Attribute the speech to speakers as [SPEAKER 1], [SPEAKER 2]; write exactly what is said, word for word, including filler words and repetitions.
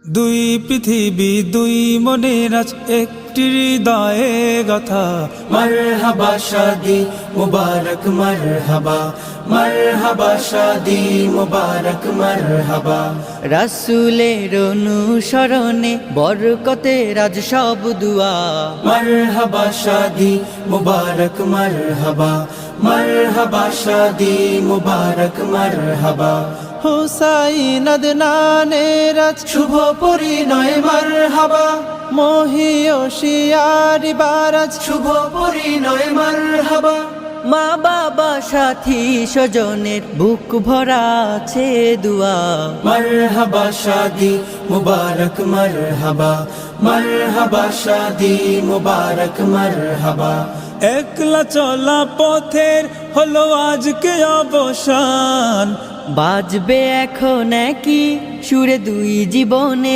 [SPEAKER 1] দুই পৃথিবী দুই মনের আজ একটি হৃদয়ে গাথা।
[SPEAKER 2] মারহাবা শাদি মুবারক মারহাবা, মারহাবা শাদি মুবারক মারহাবা।
[SPEAKER 3] রাসূলের অনুসরণে বরকতের আজ সব দুয়া।
[SPEAKER 2] মারহাবা শাদি মুবারক মারহাবা, মারহাবা শাদি মুবারক মারহাবা।
[SPEAKER 1] হুসাইন আদনানের আজ
[SPEAKER 2] শুভ পরিণয় মারহাবা,
[SPEAKER 1] মহিয়সিয়ারি বারাজ
[SPEAKER 2] শুভ পরিণয় মারহাবা।
[SPEAKER 3] মা বাবা সাথী স্বজনের বুক ভরা আছে দুয়া।
[SPEAKER 2] মারহাবা শাদি মুবারক মারহাবা, মারহাবা শাদি মুবারক মারহাবা।
[SPEAKER 1] একলা চলা পথের হলো আজকে অবসান।
[SPEAKER 3] বাজবে এখন কি সুরে দুই জীবনে